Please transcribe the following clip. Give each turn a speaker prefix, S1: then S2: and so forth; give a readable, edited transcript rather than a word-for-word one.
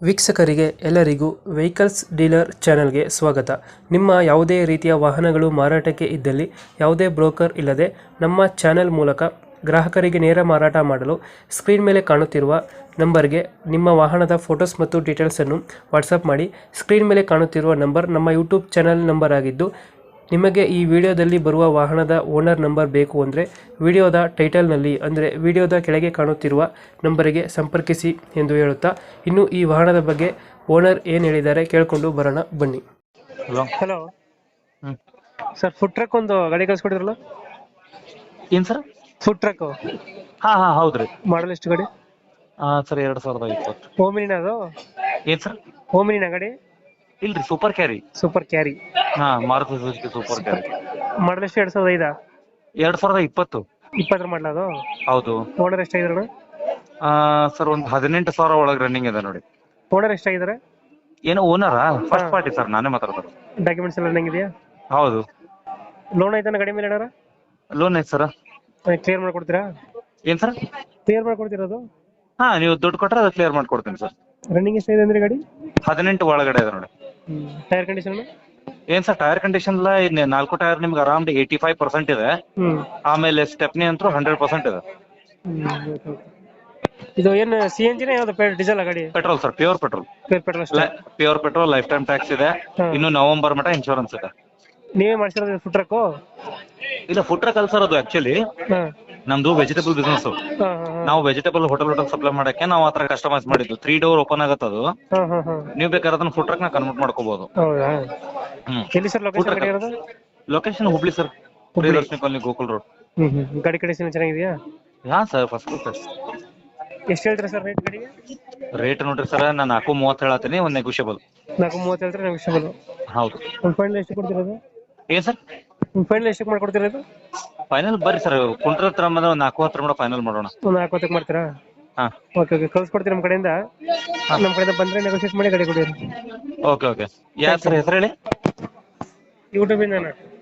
S1: ವೀಕ್ಷಕರಿಗೆ ಎಲ್ಲರಿಗೂ vehicles dealer ಚಾನೆಲ್ಗೆ ಸ್ವಾಗತ. ನಿಮ್ಮ ಯಾವುದೇ ರೀತಿಯ ವಾಹನಗಳು ಮಾರಾಟಕ್ಕೆ ಇದ್ದಲ್ಲಿ ಯಾವುದೇ ಬ್ರೋಕರ್ ಇಲ್ಲದೆ ನಮ್ಮ ಚಾನೆಲ್ ಮೂಲಕ ಗ್ರಾಹಕರಿಗೆ ನೇರ ಮಾರಾಟ ಮಾಡಲು ಸ್ಕ್ರೀನ್ ಮೇಲೆ ಕಾಣುತ್ತಿರುವ ನಂಬರ್ಗೆ ನಿಮ್ಮ ವಾಹನದ ಫೋಟೋಸ್ ಮತ್ತು ಡೀಟೇಲ್ಸನ್ನು ವಾಟ್ಸಪ್ ಮಾಡಿ. ಸ್ಕ್ರೀನ್ ಮೇಲೆ ಕಾಣುತ್ತಿರುವ ನಂಬರ್ ನಮ್ಮ ಯೂಟ್ಯೂಬ್ ಚಾನೆಲ್ ನಂಬರ್ ಆಗಿದ್ದು, ನಿಮಗೆ ಈ ವಿಡಿಯೋದಲ್ಲಿ ಬರುವ ವಾಹನದ ಓನರ್ ನಂಬರ್ ಬೇಕು ಅಂದರೆ ವಿಡಿಯೋದ ಟೈಟಲ್ನಲ್ಲಿ ಅಂದರೆ ವಿಡಿಯೋದ ಕೆಳಗೆ ಕಾಣುತ್ತಿರುವ ನಂಬರಿಗೆ ಸಂಪರ್ಕಿಸಿ ಎಂದು ಹೇಳುತ್ತಾ, ಇನ್ನು ಈ ವಾಹನದ ಬಗ್ಗೆ ಓನರ್ ಏನು ಹೇಳಿದ್ದಾರೆ ಕೇಳಿಕೊಂಡು ಬರೋಣ ಬನ್ನಿ.
S2: ಹಲೋ.
S1: ಹಲೋ
S2: ಹ್ಮ್.
S1: ಸರ್, ಫುಡ್ ಟ್ರಕ್ ಒಂದು ಗಾಡಿ ಕಳಿಸ್ಕೊಡಿದ್ರಲ್ಲ?
S2: ಏನ್ ಸರ್?
S1: ಫುಡ್ ಟ್ರಕ್
S2: ಹಾ ಹೌದ್ರಿ.
S1: ಮಾಡಲ್ ಎಷ್ಟು ಗಾಡಿ?
S2: ಸರ್ 2020.
S1: ಓಮಿನಿನ ಅದು?
S2: ಏನ್ ಸರ್?
S1: ಓಮಿನಿನ ಗಾಡಿ?
S2: ಇಲ್ರಿ, super carry.
S1: Super carry.
S2: Maruti Suzuki super carry.
S1: Model ಎಷ್ಟು? 2005?
S2: 2020.
S1: 20 ಮಾಡಲ್ ಅದು?
S2: ಹೌದು.
S1: ಓನರ್ ಎಷ್ಟಾಗಿದಾರೆ?
S2: ಸರ್ ಒಂದು 18,000 ಒಳಗೆ ರನ್ನಿಂಗ್ ಇದೆ ನೋಡಿ.
S1: ಓನರ್ ಎಷ್ಟಾಗಿದ್ದಾರೆ?
S2: ಏನೋ ಓನರಾ? ಫಸ್ಟ್ ಪಾರ್ಟಿ ಸರ್, ನಾನೇ ಮಾತಾಡ್ತಾರೆ.
S1: ಡಾಕ್ಯುಮೆಂಟ್ಸ್ ಎಲ್ಲ ಹೆಂಗಿದೆಯಾ?
S2: ಹೌದು.
S1: ಲೋನ್ ಐತಾನ ಗಾಡಿ ಮೇಲೆ ಏನಾರ?
S2: ಲೋನ್ ಐತೆ ಸರ್.
S1: ಕ್ಲಿಯರ್ ಮಾಡ್ಕೊಡ್ತೀರಾ?
S2: ಏನ್ ಸರ್?
S1: ಕ್ಲಿಯರ್ ಮಾಡ್ಕೊಡ್ತಿರೋದು?
S2: ನೀವು ದುಡ್ಡು ಕೊಟ್ರೆ ಅದು ಕ್ಲಿಯರ್ ಮಾಡ್ಕೊಡ್ತೀನಿ ಸರ್.
S1: ರನ್ನಿಂಗ್ ಎಷ್ಟಾಗಿದೆ ಅಂದ್ರೆ ಗಾಡಿ?
S2: 18 ಒಳಗಡೆ ಇದೆ ನೋಡಿ.
S1: Tyre condition?
S2: ಏನ್ ಸರ್, ಟೈರ್ ಕಂಡೀಷನ್ ಎಲ್ಲ 4 ಟೈರ್ ನಿಮ್ಗೆ ಆರಾಮ್ 85% ಇದೆ. ಆಮೇಲೆ ಸ್ಟೆಪ್ನಿ ಅಂತೂ 100% ಇದೆ.
S1: ಇದು ಏನು ಸಿ ಎನ್ ಜಿನ ಯಾವ್ದು ಡೀಸೆಲ್ ಗಾಡಿ?
S2: Petrol sir, pure petrol. Pure petrol, lifetime tax ಇದೆ. ಇನ್ನು ನವೆಂಬರ್ ಮಟ್ಟ ಇನ್ಶೂರೆನ್ಸ್ ಇದೆ.
S1: ನೀವೇ ಮಾಡ್ಸಿರೋದು ಫುಡ್ ಟ್ರಕ್?
S2: ಇಲ್ಲ, ಫುಡ್ ಟ್ರಕ್ ಅಲ್ಲ ಸರ್, ಅದು ಆಕ್ಚುಲಿ ನಮ್ದು ವೆಜಿಟೇಬಲ್ ಬಿಸ್ನೆಸ್. ನಾವು ವೆಜಿಟೇಬಲ್ ಹೋಟೆಲ್ ಸಪ್ಲೈ ಮಾಡಕ್ಕೆ ನಾವು ಆತರ ಕಸ್ಟಮೈಸ್ ಮಾಡಿದ್ದು. 3 ಡೋರ್ ಓಪನ್ ಆಗತ್ತೆ ಅದು. ನೀವು ಬೇಕಾದ್ರೆ ಅದನ್ನ ಫುಡ್ ಟ್ರಕ್ ನ ಕನ್ವರ್ಟ್ ಮಾಡ್ಕೋಬಹುದು.
S1: ಎಲ್ಲಿ ಸರ್ ಲೊಕೇಶನ್ ಗಾಡಿ ಇರೋದು?
S2: Location Hubli sir, Priyadarshini colony, Gokul road.
S1: ಗಾಡಿ ಕಂಡೀಷನ್ ಚೆನ್ನಾಗಿದೆಯಾ?
S2: Sir, first class.
S1: ಎಷ್ಟು ಹೇಳ್ತೀರಾ ಸರ್ ರೇಟ್ ಗಾಡಿಗೆ?
S2: ರೇಟ್ ನೋಡ್ರಿ ಸರ್, ನಾನು 4.30 ಹೇಳತ್ತೀನಿ, ಒಂದು ನೆಗೋಷಿಯಬಲ್.
S1: 4.30 ಹೇಳ್ತಾರೆ, ನೆಗೋಷಿಯಬಲ್.
S2: ಹೌದು.
S1: ಒಂದು ಫೈನಲ್ ಎಷ್ಟು ಕೊಡ್ತಿರೋದು?
S2: ಏನ್ ಸರ್?
S1: ಫೈನಲ್ ಎಷ್ಟು ಮಾಡ್ಕೊಡ್ತಿರೋದು?
S2: ಫೈನಲ್ ಬರ್ರಿ ಸರ್, ಕುಂಟ್ರ ಹತ್ರ 4.10 ಫೈನಲ್ ಮಾಡೋಣ.
S1: ಒಂದು 4.10 ಮಾಡ್ತೀರಾ? ಓಕೆ ಕಳ್ಸ್ಕೊಡ್ತೀವಿ ನಮ್ಮ ಕಡೆಯಿಂದ. ನಮ್ಮ ಕಡೆಯಿಂದ ಬಂದ್ರೆ ನೆಗೋಷಿಯೇಟ್ ಮಾಡಿ ಗಾಡಿ ಕೊಡಿ.
S2: ಓಕೆ. ಯಾರು ಸರ್ ಹೆಸರು ಹೇಳಿ?
S1: ಯೂಟ್ಯೂಬಿಂದ.